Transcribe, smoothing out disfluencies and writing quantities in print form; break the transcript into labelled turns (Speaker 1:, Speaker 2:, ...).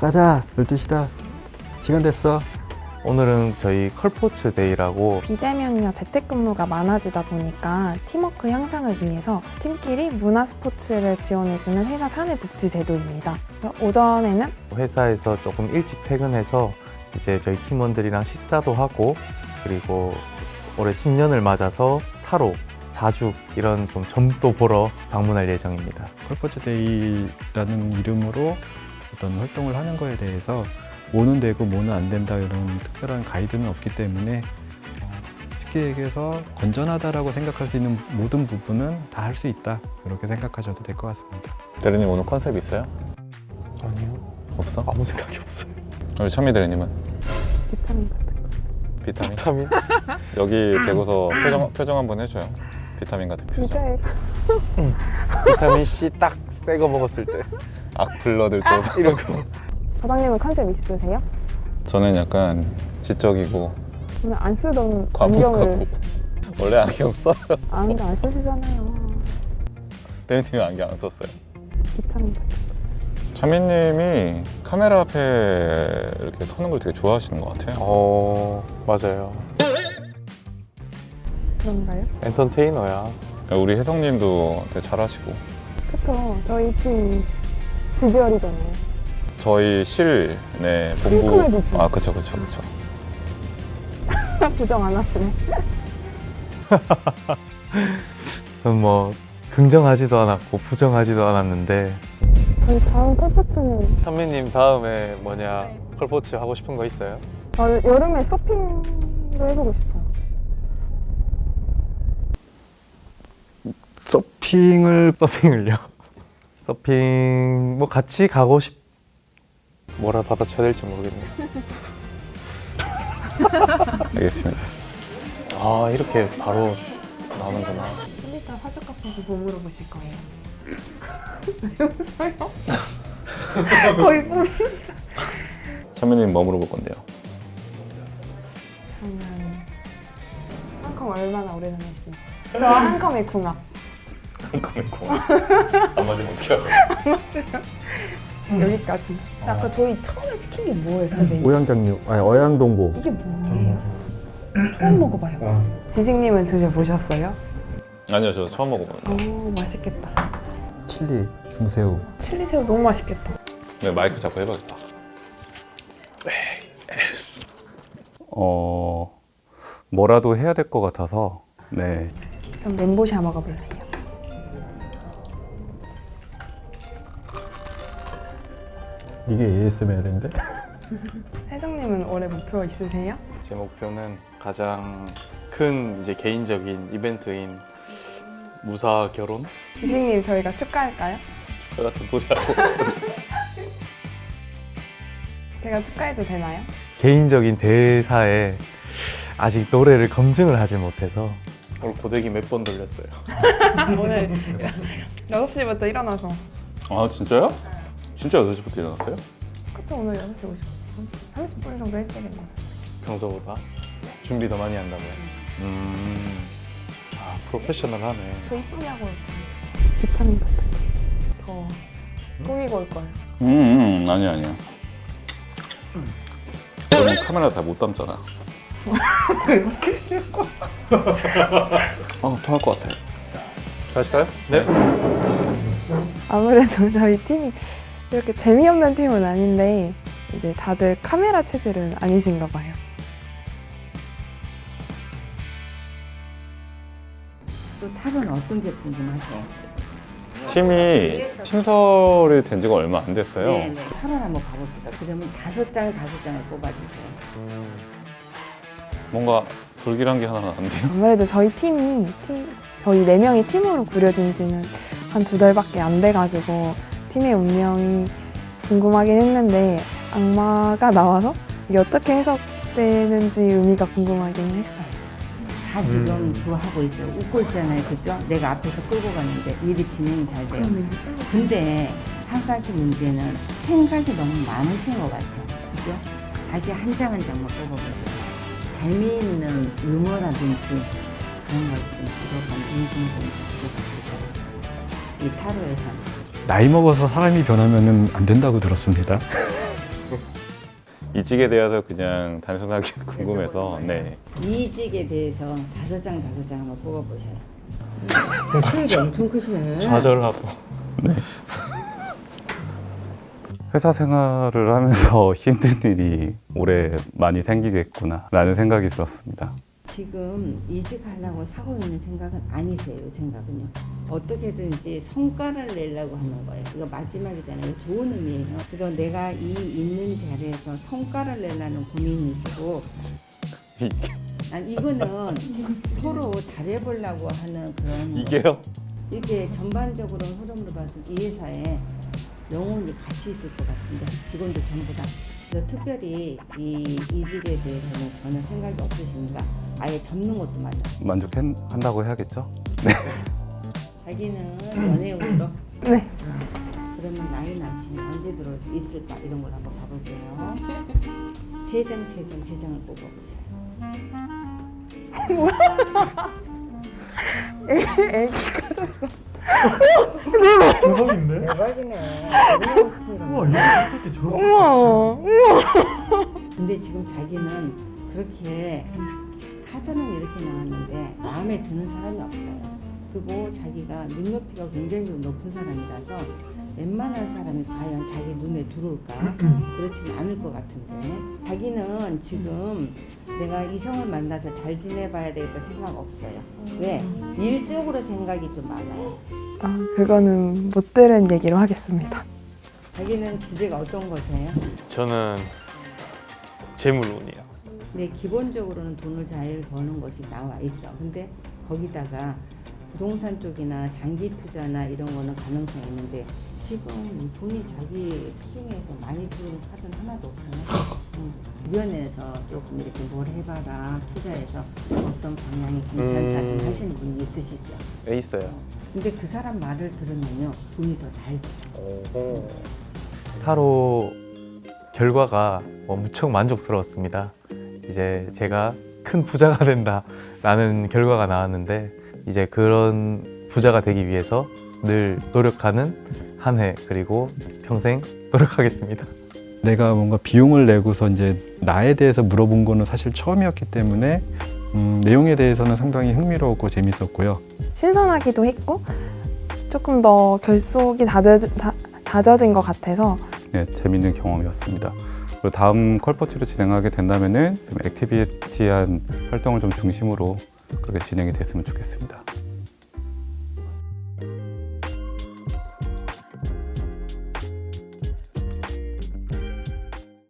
Speaker 1: 가자. 12시다. 시간 됐어.
Speaker 2: 오늘은 저희 컬포츠 데이라고
Speaker 3: 비대면이나 재택근무가 많아지다 보니까 팀워크 향상을 위해서 팀끼리 문화스포츠를 지원해주는 회사 사내복지제도입니다. 그래서 오전에는
Speaker 2: 회사에서 조금 일찍 퇴근해서 이제 저희 팀원들이랑 식사도 하고, 그리고 올해 신년을 맞아서 타로, 사주 이런 좀 점도 보러 방문할 예정입니다.
Speaker 1: 컬포츠 데이라는 이름으로 어떤 활동을 하는 거에 대해서 뭐는 되고 뭐는 안 된다 이런 특별한 가이드는 없기 때문에 쉽게 얘기해서 건전하다라고 생각할 수 있는 모든 부분은 다 할 수 있다, 이렇게 생각하셔도 될 것 같습니다.
Speaker 4: 대리님 오늘 컨셉 있어요?
Speaker 2: 아니요,
Speaker 4: 없어?
Speaker 2: 아무 생각이 없어요.
Speaker 4: 우리 찬미 대리님은?
Speaker 3: 비타민
Speaker 4: 비타민?
Speaker 2: 비타민?
Speaker 4: 여기 대고서 표정 한번 해줘요. 비타민 같은 표정.
Speaker 2: 비타민 C 딱 새 거 먹었을 때
Speaker 4: 악플러들 또
Speaker 2: 이러고.
Speaker 3: 사장님은 컨셉 있으세요?
Speaker 4: 저는 약간 지적이고
Speaker 3: 오늘 안 쓰던
Speaker 4: 과묵하고. 원래 안경 써?
Speaker 3: 안경 안 쓰시잖아요.
Speaker 4: 대리님이 안경 안 썼어요.
Speaker 3: 비타민
Speaker 4: 찬미님이 카메라 앞에 이렇게 서는 걸 되게 좋아하시는 것 같아요.
Speaker 2: 맞아요.
Speaker 3: 그런가요?
Speaker 2: 엔터테이너야.
Speaker 4: 우리 혜성님도 되게 잘하시고.
Speaker 3: 그쵸. 저희 팀 비주얼이잖아요.
Speaker 4: 저희 실, 네, 본부.
Speaker 3: 핑크레드죠.
Speaker 4: 아, 그쵸.
Speaker 3: 부정 안 하시네.
Speaker 2: 저는 뭐 긍정하지도 않았고 부정하지도 않았는데.
Speaker 3: 저희 다음 컬포츠는
Speaker 2: 찬미님 다음에 뭐냐, 컬포츠 하고 싶은 거 있어요?
Speaker 3: 여름에 서핑도 해보고 싶어요.
Speaker 2: 서핑을요? 서핑 뭐 같이 가고 뭐라 받아쳐야 될지 모르겠네요.
Speaker 4: 알겠습니다.
Speaker 2: 아, 이렇게 바로 나오는구나.
Speaker 3: 좀 이따 사주카페에서 뭐 물어보실 거예요? 왜 웃어요? 거의 뿜.
Speaker 4: 찬미님 뭐 물어볼 건데요?
Speaker 3: 저는 한컴 얼마나 오래 다닐 수 있어요? 저 한컴의 궁합.
Speaker 4: 한컴의 고안 맞으면 어떻게 알아요?
Speaker 3: 여기까지. 아까 저희 처음에 시킨 게 뭐였죠? 메뉴?
Speaker 1: 오양장류, 아니 어양동보.
Speaker 3: 이게 뭐예요? 처음 먹어봐요. 지식님은 드셔보셨어요?
Speaker 4: 아니요, 저 처음 먹어봐요.
Speaker 3: 오, 맛있겠다.
Speaker 1: 칠리, 중새우.
Speaker 3: 칠리새우 너무 맛있겠다.
Speaker 4: 네, 마이크 잡고 해봐야겠다.
Speaker 2: 뭐라도 해야 될 것 같아서. 네.
Speaker 3: 전 멘보샤 먹어볼래요.
Speaker 1: 이게 ASMR인데?
Speaker 3: 혜성님은 올해 목표 있으세요?
Speaker 2: 제 목표는 가장 큰 이제 개인적인 이벤트인 무사 결혼?
Speaker 3: 지식님 저희가 축하할까요?
Speaker 2: 축하 같은 소리 하고.
Speaker 3: 제가 축하해도 되나요?
Speaker 2: 개인적인 대사에 아직 노래를 검증을 하지 못해서 오늘 고데기 몇 번 돌렸어요.
Speaker 3: 오늘 6시부터 일어나서.
Speaker 4: 아, 진짜요? 진짜 8시부터 일어났어요?
Speaker 3: 그쵸, 오늘 6시 50분. 30분 정도 일찍 일어났어요.
Speaker 2: 평소보다 준비 더 많이 한다고요. 아, 프로페셔널하네.
Speaker 3: 저 이쁘게 하고 올 거예요. 비타민 더 꾸미고 올 거예요.
Speaker 4: 아니야. 저는 카메라 잘 못 담잖아. 통할 것 같아.
Speaker 2: 가실까요? 네.
Speaker 3: 아무래도 저희 팀이 이렇게 재미없는 팀은 아닌데 이제 다들 카메라 체질은 아니신가 봐요.
Speaker 5: 또 탑은 어떤 제품 좀 하세요?
Speaker 4: 팀이 신설이 된 지가 얼마 안 됐어요.
Speaker 5: 네. 탑을 한번 봐봅시다. 그러면 5장을 뽑아주세요.
Speaker 4: 뭔가 불길한 게 하나 나는데요.
Speaker 3: 아무래도 저희 저희 4명이 팀으로 구려진 지는 한 2달밖에 안 돼가지고 팀의 운명이 궁금하긴 했는데 악마가 나와서 이게 어떻게 해석되는지 의미가 궁금하긴 했어요.
Speaker 5: 다 지금 좋아하고 있어요. 웃고 있잖아요. 그죠? 내가 앞에서 끌고 갔는데 일이 진행이 잘 돼요. 근데 한 가지 문제는 생각이 너무 많으신 것 같아요. 그죠? 다시 한 장 한 장만 뽑아보세요. 재미있는 유머라든지 그런 걸좀 부족한 인증좀 부족합니다. 이 타로에서는.
Speaker 1: 나이 먹어서 사람이 변하면 안 된다고 들었습니다.
Speaker 4: 이직에 대해서 그냥 단순하게 궁금해서 네.
Speaker 5: 이직에 대해서 5장 한번 뽑아보셔요. 스케일이 엄청 크시네.
Speaker 2: 좌절하고.
Speaker 4: 회사 생활을 하면서 힘든 일이 올해 많이 생기겠구나 라는 생각이 들었습니다.
Speaker 5: 지금 이직하려고 사고 있는 생각은 아니세요. 이 생각은요. 어떻게든지 성과를 내려고 하는 거예요. 이거 마지막이잖아요. 좋은 의미예요. 그래서 내가 이 있는 자리에서 성과를 내려는 고민이시고, 아니 이거는 서로 잘해보려고 하는 그런
Speaker 4: 이게요?
Speaker 5: 이렇게 전반적으로 흐름으로 봐서 이 회사에 영혼이 같이 있을 것 같은데 직원들 전부 다. 그래서 특별히 이 이직에 대해서는 전혀 생각이 없으십니까? 아예 접는 것도 맞아.
Speaker 4: 만족한다고 해야겠죠?
Speaker 5: 자기는 연애운으로.
Speaker 3: 네.
Speaker 5: 그러면 나이 남친이 언제 들어올 수 있을까 이런 걸 한번 봐볼게요. 세 장을 뽑아보세요.
Speaker 3: 애기 커졌어.
Speaker 6: 대박인데?
Speaker 5: 대박이네.
Speaker 6: 우와 이거 어떻게 저렇게
Speaker 3: 우와.
Speaker 5: 근데 지금 자기는 그렇게 카드는 이렇게 나왔는데 마음에 드는 사람이 없어요. 그리고 자기가 눈높이가 굉장히 좀 높은 사람이라서 웬만한 사람이 과연 자기 눈에 들어올까? 그렇지는 않을 것 같은데 자기는 지금 내가 이성을 만나서 잘 지내봐야 되겠다 생각 없어요. 왜? 일적으로 생각이 좀 많아요.
Speaker 3: 아, 그거는 못 들은 얘기로 하겠습니다.
Speaker 5: 자기는 주제가 어떤 거세요?
Speaker 2: 저는 재물운이요.
Speaker 5: 근데 기본적으로는 돈을 잘 버는 것이 나와 있어. 근데 거기다가 부동산 쪽이나 장기 투자나 이런 거는 가능성이 있는데 지금 돈이 자기 수중에서 많이 들어오는 카드는 하나도 없어요. 주변에서 조금 이렇게 뭘 해봐라 투자해서 어떤 방향이 괜찮다 좀 하시는 분이 있으시죠.
Speaker 2: 네, 있어요.
Speaker 5: 근데 그 사람 말을 들으면요 돈이 더 잘 돼요.
Speaker 2: 타로 결과가 무척 만족스러웠습니다. 이제 제가 큰 부자가 된다라는 결과가 나왔는데 이제 그런 부자가 되기 위해서 늘 노력하는 한 해 그리고 평생 노력하겠습니다.
Speaker 1: 내가 뭔가 비용을 내고서 이제 나에 대해서 물어본 거는 사실 처음이었기 때문에 내용에 대해서는 상당히 흥미로웠고 재밌었고요.
Speaker 3: 신선하기도 했고 조금 더 결속이 다져진 것 같아서
Speaker 4: 네, 재밌는 경험이었습니다. 그리고 다음 컬퍼츠로 진행하게 된다면은 좀 액티비티한 활동을 좀 중심으로 그렇게 진행이 됐으면 좋겠습니다.